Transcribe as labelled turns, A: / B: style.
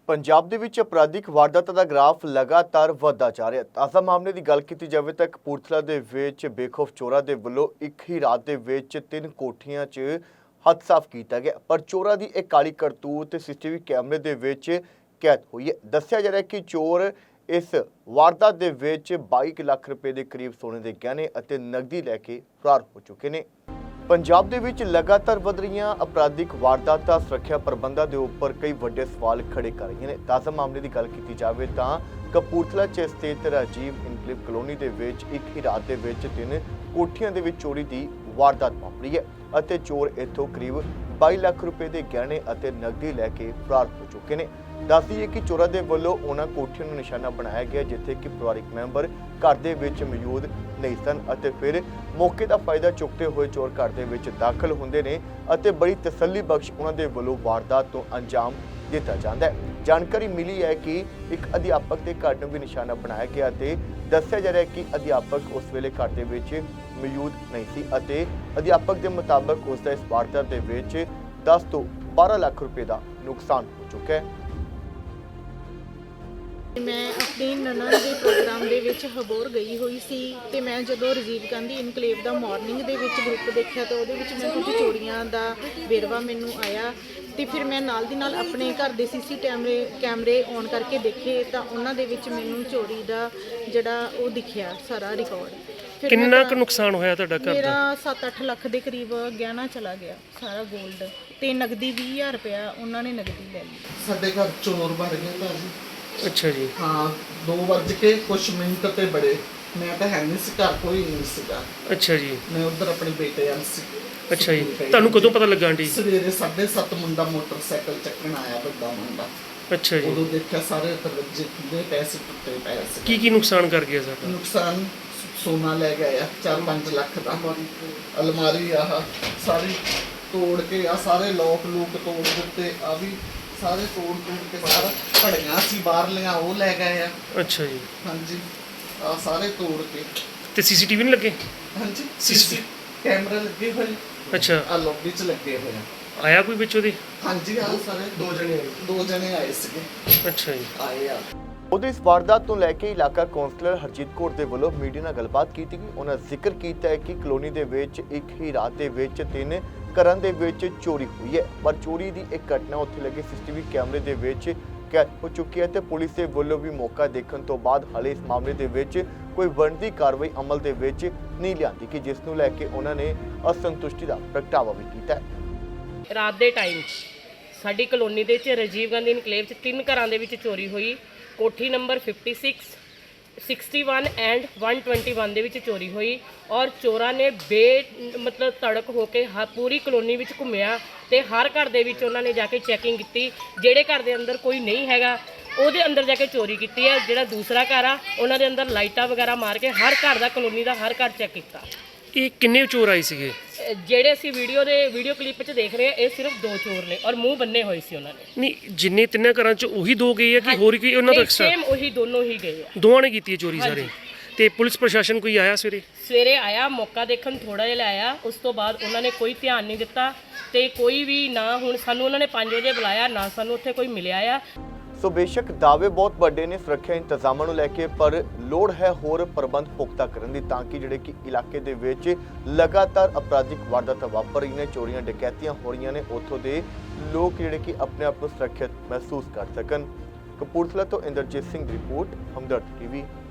A: ਪੰਜਾਬ ਦੇ ਵਿੱਚ ਅਪਰਾਧਿਕ ਵਾਰਦਾਤਾਂ ਦਾ ਗ੍ਰਾਫ ਲਗਾਤਾਰ ਵਧਦਾ ਜਾ ਰਿਹਾ ਹੈ। ਤਾਜ਼ਾ ਮਾਮਲੇ ਦੀ ਗੱਲ ਕੀਤੀ ਜਾਵੇ ਤਾਂ ਕਪੂਰਥਲਾ ਦੇ ਵਿੱਚ ਬੇਖੌਫ ਚੋਰਾਂ ਦੇ ਵੱਲੋਂ ਇੱਕ ਹੀ ਰਾਤ ਦੇ ਵਿੱਚ 3 ਕੋਠੀਆਂ 'ਚ ਹੱਥ ਸਾਫ਼ ਕੀਤਾ ਗਿਆ, ਪਰ ਚੋਰਾਂ ਦੀ ਇਹ ਕਾਲੀ ਕਰਤੂਤ ਸੀਸੀਟੀਵੀ ਕੈਮਰੇ ਦੇ ਵਿੱਚ ਕੈਦ ਹੋਈ ਹੈ। ਦੱਸਿਆ ਜਾ ਰਿਹਾ ਹੈ ਕਿ ਚੋਰ ਇਸ ਵਾਰਦਾਤ ਦੇ ਵਿੱਚ 22 ਲੱਖ ਰੁਪਏ ਦੇ ਕਰੀਬ ਸੋਨੇ ਦੇ ਗਹਿਣੇ ਅਤੇ ਨਕਦੀ ਲੈ ਕੇ ਫਰਾਰ ਹੋ ਚੁੱਕੇ ਨੇ। ਪੰਜਾਬ ਦੇ ਵਿੱਚ ਲਗਾਤਾਰ ਵਧ ਰਹੀਆਂ ਅਪਰਾਧਿਕ ਵਾਰਦਾਤਾਂ ਸੁਰੱਖਿਆ ਪ੍ਰਬੰਧਾਂ ਦੇ ਉੱਪਰ ਕਈ ਵੱਡੇ ਸਵਾਲ ਖੜੇ ਕਰ ਰਹੀਆਂ ਨੇ। ਤਾਜ਼ਾ ਮਾਮਲੇ ਦੀ ਗੱਲ ਕੀਤੀ ਜਾਵੇ ਤਾਂ ਕਪੂਰਥਲਾ 'ਚ ਸਥਿਤ ਰਾਜੀਵ ਇਨਕਲੇਵ ਕਲੋਨੀ ਦੇ ਵਿੱਚ ਇੱਕ ਹੀ ਰਾਤ ਦੇ ਵਿੱਚ 3 ਕੋਠੀਆਂ ਦੇ ਵਿੱਚ ਚੋਰੀ ਦੀ ਵਾਰਦਾਤ ਵਾਪਰੀ ਹੈ ਅਤੇ ਚੋਰ ਇੱਥੋਂ ਕਰੀਬ 22 ਲੱਖ ਰੁਪਏ ਦੇ ਗਹਿਣੇ ਅਤੇ ਨਕਦੀ ਲੈ ਕੇ ਫਰਾਰ ਹੋ ਚੁੱਕੇ ਨੇ। ਦੱਸ ਦਈਏ ਕਿ ਚੋਰਾਂ ਦੇ ਵੱਲੋਂ ਉਹਨਾਂ ਕੋਠੀਆਂ ਨੂੰ ਨਿਸ਼ਾਨਾ ਬਣਾਇਆ ਗਿਆ ਜਿੱਥੇ ਕਿ ਪਰਿਵਾਰਕ ਮੈਂਬਰ ਘਰ ਦੇ ਵਿੱਚ ਮੌਜੂਦ ਨਹੀਂ ਸਨ ਅਤੇ ਫਿਰ ਮੌਕੇ ਦਾ ਫਾਇਦਾ ਚੁੱਕਦੇ ਹੋਏ ਚੋਰ ਘਰ ਦੇ ਵਿੱਚ ਦਾਖਲ ਹੁੰਦੇ ਨੇ ਅਤੇ ਬੜੀ ਤਸੱਲੀ ਬਖਸ਼ ਉਹਨਾਂ ਦੇ ਵੱਲੋਂ ਵਾਰਦਾਤ ਤੋਂ ਅੰਜਾਮ ਦਿੱਤਾ ਜਾਂਦਾ ਹੈ। ਜਾਣਕਾਰੀ ਮਿਲੀ ਹੈ ਕਿ ਇੱਕ ਅਧਿਆਪਕ ਦੇ ਘਰ ਨੂੰ ਵੀ ਨਿਸ਼ਾਨਾ ਬਣਾਇਆ ਗਿਆ ਤੇ ਦੱਸਿਆ ਜਾ ਰਿਹਾ ਹੈ ਕਿ ਅਧਿਆਪਕ ਉਸ ਵੇਲੇ ਘਰ ਦੇ ਵਿੱਚ ਮੌਜੂਦ ਨਹੀਂ ਸੀ ਅਤੇ ਅਧਿਆਪਕ ਦੇ ਮੁਤਾਬਕ ਉਸ ਦਾ ਇਸ ਵਾਰਦਾਤ ਦੇ ਵਿੱਚ 10 ਤੋਂ 12 ਲੱਖ ਰੁਪਏ ਦਾ ਨੁਕਸਾਨ ਹੋ ਚੁੱਕਾ ਹੈ।
B: ਮੈਂ ਆਪਣੀ ਨਨਾਣ ਦੇ ਪ੍ਰੋਗਰਾਮ ਦੇ ਵਿੱਚ ਹਬੋਰ ਗਈ ਹੋਈ ਸੀ ਤੇ ਮੈਂ ਜਦੋਂ ਰਾਜੀਵ ਗਾਂਧੀ ਇਨਕਲੇਵ ਦਾ ਮਾਰਨਿੰਗ ਦੇ ਵਿੱਚ ਗਰੁੱਪ ਦੇਖਿਆ ਤਾਂ ਉਹਦੇ ਵਿੱਚ ਮੈਂ ਕੁਝ ਚੋਰੀਆਂ ਦਾ ਵੇਰਵਾ ਮੈਨੂੰ ਆਇਆ ਤੇ ਫਿਰ ਮੈਂ ਨਾਲ ਦੀ ਨਾਲ ਆਪਣੇ ਘਰ ਦੇ ਸੀਸੀ ਕੈਮਰੇ ਔਨ ਕਰਕੇ ਦੇਖੇ ਤਾਂ ਉਹਨਾਂ ਦੇ ਵਿੱਚ ਮੈਨੂੰ ਚੋਰੀ ਦਾ ਜਿਹੜਾ ਉਹ ਦਿਖਿਆ ਸਾਰਾ ਰਿਕਾਰਡ।
C: ਕਿੰਨਾ ਕੁ ਨੁਕਸਾਨ ਹੋਇਆ ਤੁਹਾਡਾ ਘਰ ਦਾ?
B: ਮੇਰਾ 7-8 ਲੱਖ ਦੇ ਕਰੀਬ ਗਹਿਣਾ ਚਲਾ ਗਿਆ, ਸਾਰਾ 골ਡ ਤੇ ਨਗਦੀ 20,000 ਰੁਪਇਆ ਉਹਨਾਂ ਨੇ ਨਗਦੀ ਲੈ ਲਈ।
D: ਸਾਡੇ ਘਰ ਚੋਰ ਵੜ ਗਏ ਭਾਜੀ।
C: ਅੱਛਾ ਜੀ।
D: ਹਾਂ 2:00 ਕੁਛ ਮਿੰਟ ਤੇ ਬੜੇ, ਮੈਂ ਤਾਂ ਹੈ ਨਹੀਂ ਸੀ ਘਰ, ਕੋਈ ਨਹੀਂ ਸੀਗਾ।
C: ਅੱਛਾ ਜੀ।
D: ਮੈਂ ਉਧਰ ਆਪਣੇ ਬੇਟੇ ਨਾਲ ਸੀ।
C: ਅੱਛਾ ਜੀ, ਤੁਹਾਨੂੰ ਕਦੋਂ ਪਤਾ ਲੱਗਾ ਆਂਟੀ?
D: ਸਵੇਰੇ 7:30 ਮੁੰਡਾ ਮੋਟਰਸਾਈਕਲ ਚੱਕਣ ਆਇਆ, ਵੱਡਾ ਮੁੰਡਾ।
C: ਅੱਛਾ ਜੀ।
D: ਉਦੋਂ ਦੇਖਿਆ ਸਾਰੇ ਦਰਵਾਜ਼ੇ ਖੁੱਲੇ ਪਏ ਸੀ, ਟੁੱਟੇ ਪਏ ਸੀ।
C: ਕੀ ਨੁਕਸਾਨ ਕਰ ਗਿਆ ਸਾਡਾ?
D: ਨੁਕਸਾਨ ਸੋਨਾ ਲੈ ਗਿਆ 4-5 ਲੱਖ ਦਾ, ਅਲਮਾਰੀ ਆਹ ਸਾਰੀ ਤੋੜ ਕੇ, ਆ ਸਾਰੇ ਲੋਕ ਤੋੜ ਦਿੱਤੇ, ਆ ਵੀ ਸਾਰੇ ਤੋੜ ਕੇ ਬਾਹਰ ਘੜੀਆਂ ਸੀ ਬਾਹਰਲੀਆਂ ਉਹ ਲੈ ਗਏ ਆ।
C: ਅੱਛਾ ਜੀ।
D: ਹਾਂਜੀ, ਆ ਸਾਰੇ ਤੋੜ ਕੇ।
C: ਤੇ ਸੀਸੀਟੀਵੀ ਨਹੀਂ ਲੱਗੇ?
D: ਹਾਂਜੀ, ਸੀਸੀ ਕੈਮਰਾ ਲੱਗੇ ਹੋਏ।
C: ਅੱਛਾ,
D: ਆ ਲੌਬੀ 'ਚ ਲੱਗੇ ਹੋਏ ਆ।
C: ਆਇਆ ਕੋਈ ਵਿੱਚ ਉਹਦੇ?
D: ਹਾਂਜੀ, ਆ ਸਾਰੇ ਦੋ ਜਣੇ ਆਏ ਸੀਗੇ।
C: ਅੱਛਾ ਜੀ।
D: ਆਏ ਆ।
A: ਉਹਦੇ ਇਸ ਵਾਰਦਾਤ ਤੋਂ ਲੈ ਕੇ ਇਲਾਕਾ ਕੌਂਸਲਰ ਹਰਜੀਤ ਕੌਰ ਦੇ ਵੱਲੋਂ ਮੀਡੀਆ ਨਾਲ ਗੱਲਬਾਤ ਕੀਤੀ ਗਈ। ਉਹਨਾਂ ਜ਼ਿਕਰ ਕੀਤਾ ਹੈ ਕਿ ਕਲੋਨੀ ਦੇ ਵਿੱਚ ਇੱਕ ਹੀ ਰਾਤ ਦੇ ਵਿੱਚ 3 ਘਰਾਂ ਦੇ ਵਿੱਚ ਚੋਰੀ ਹੋਈ ਹੈ, ਪਰ ਚੋਰੀ ਦੀ ਇੱਕ ਘਟਨਾ ਉੱਥੇ ਲੱਗੇ ਸੀਸੀਟੀਵੀ ਕੈਮਰੇ ਦੇ ਵਿੱਚ ਕੈਦ ਹੋ ਚੁੱਕੀ ਹੈ ਤੇ ਪੁਲਿਸ ਦੇ ਵੱਲੋਂ ਵੀ ਮੌਕਾ ਦੇਖਣ ਤੋਂ ਬਾਅਦ ਹਾਲੇ ਇਸ ਮਾਮਲੇ ਦੇ ਵਿੱਚ ਕੋਈ ਬਣਦੀ ਕਾਰਵਾਈ ਅਮਲ ਦੇ ਵਿੱਚ ਨਹੀਂ ਲਿਆਂਦੀ ਕਿ ਜਿਸ ਨੂੰ ਲੈ ਕੇ ਉਹਨਾਂ ਨੇ ਅਸੰਤੁਸ਼ਟੀ ਦਾ ਪ੍ਰਗਟਾਵਾ ਵੀ ਕੀਤਾ ਹੈ।
E: ਰਾਤ ਦੇ ਟਾਈਮ ਸਾਡੀ ਕਲੋਨੀ ਦੇ ਵਿੱਚ ਰਾਜੀਵ ਗਾਂਧੀ ਇਨਕਲੇਵ 'ਚ 3 ਘਰਾਂ ਦੇ ਵਿੱਚ ਚੋਰੀ ਹੋਈ। ਕੋਠੀ ਨੰਬਰ 56, 61 ਐਂਡ 121 ਦੇ ਵਿੱਚ ਚੋਰੀ ਹੋਈ ਔਰ ਚੋਰਾਂ ਨੇ ਮਤਲਬ ਤੜਕ ਹੋ ਕੇ ਪੂਰੀ ਕਲੋਨੀ ਵਿੱਚ ਘੁੰਮਿਆ ਤੇ ਹਰ ਘਰ ਦੇ ਵਿੱਚ ਉਹਨਾਂ ਨੇ ਜਾ ਕੇ ਚੈਕਿੰਗ ਕੀਤੀ। ਜਿਹੜੇ ਘਰ ਦੇ ਅੰਦਰ ਕੋਈ ਨਹੀਂ ਹੈਗਾ ਉਹਦੇ ਅੰਦਰ ਜਾ ਕੇ ਚੋਰੀ ਕੀਤੀ ਹੈ। ਜਿਹੜਾ ਦੂਸਰਾ ਘਰ ਆ ਉਹਨਾਂ ਦੇ ਅੰਦਰ ਲਾਈਟਾਂ ਵਗੈਰਾ ਮਾਰ ਕੇ ਹਰ ਘਰ ਦਾ, ਕਲੋਨੀ ਦਾ ਹਰ ਘਰ ਚੈੱਕ ਕੀਤਾ।
C: ਇਹ ਕਿੰਨੇ ਚੋਰ ਆਏ ਸੀਗੇ?
E: ਜਿਹੜੇ ਅਸੀਂ ਵੀਡੀਓ ਕਲਿੱਪ 'ਚ ਦੇਖ ਰਹੇ ਆ ਇਹ ਸਿਰਫ 2 ਚੋਰ ਨੇ ਔਰ ਮੂੰਹ ਬੰਨੇ ਹੋਏ ਸੀ ਉਹਨਾਂ ਨੇ।
C: ਨਹੀਂ, ਜਿੰਨੇ 3 ਘਰਾਂ 'ਚ ਉਹੀ 2 ਗਏ ਆ ਕਿ ਹੋਰ ਕੀ ਉਹਨਾਂ ਦਾ ਐਕਸਟਰਾ?
E: ਸੇਮ ਉਹੀ ਦੋਨੋਂ ਹੀ ਗਏ ਆ।
C: ਦੋਵਾਂ ਨੇ ਕੀਤੀ ਹੈ ਚੋਰੀ ਸਾਰੇ? ਤੇ ਪੁਲਿਸ ਪ੍ਰਸ਼ਾਸਨ ਕੋਈ ਆਇਆ
E: ਸਵੇਰੇ ਆਇਆ, ਮੌਕਾ ਦੇਖਣ ਥੋੜਾ ਜਿਹਾ ਆਇਆ, ਉਸ ਤੋਂ ਬਾਅਦ ਉਹਨਾਂ ਨੇ ਕੋਈ ਧਿਆਨ ਨਹੀਂ ਦਿੱਤਾ ਤੇ ਕੋਈ ਵੀ ਨਾ, ਹੁਣ ਸਾਨੂੰ ਉਹਨਾਂ ਨੇ 5 ਵਜੇ ਬੁਲਾਇਆ ਨਾ ਸਾਨੂੰ ਉੱਥੇ ਕੋਈ ਮਿਲਿਆ ਆ।
A: ਸੋ ਬੇਸ਼ੱਕ ਦਾਅਵੇ ਬਹੁਤ ਵੱਡੇ ਨੇ ਸੁਰੱਖਿਆ ਇੰਤਜ਼ਾਮਾਂ ਨੂੰ ਲੈ ਕੇ, ਪਰ ਲੋੜ ਹੈ ਹੋਰ ਪ੍ਰਬੰਧ ਪੁਖਤਾ ਕਰਨ ਦੀ ਤਾਂ ਕਿ ਜਿਹੜੇ ਕਿ ਇਲਾਕੇ ਦੇ ਵਿੱਚ ਲਗਾਤਾਰ ਅਪਰਾਧਿਕ ਵਾਰਦਾਤਾਂ ਵਾਪਰ ਰਹੀਆਂ ਨੇ, ਚੋਰੀਆਂ ਡਕੈਤੀਆਂ ਹੋ ਰਹੀਆਂ ਨੇ, ਉੱਥੋਂ ਦੇ ਲੋਕ ਜਿਹੜੇ ਕਿ ਆਪਣੇ ਆਪ ਨੂੰ ਸੁਰੱਖਿਅਤ ਮਹਿਸੂਸ ਕਰ ਸਕਣ। ਕਪੂਰਥਲਾ ਤੋਂ ਇੰਦਰਜੀਤ ਸਿੰਘ ਦੀ ਰਿਪੋਰਟ, ਹਮਦਰਦ ਟੀਵੀ।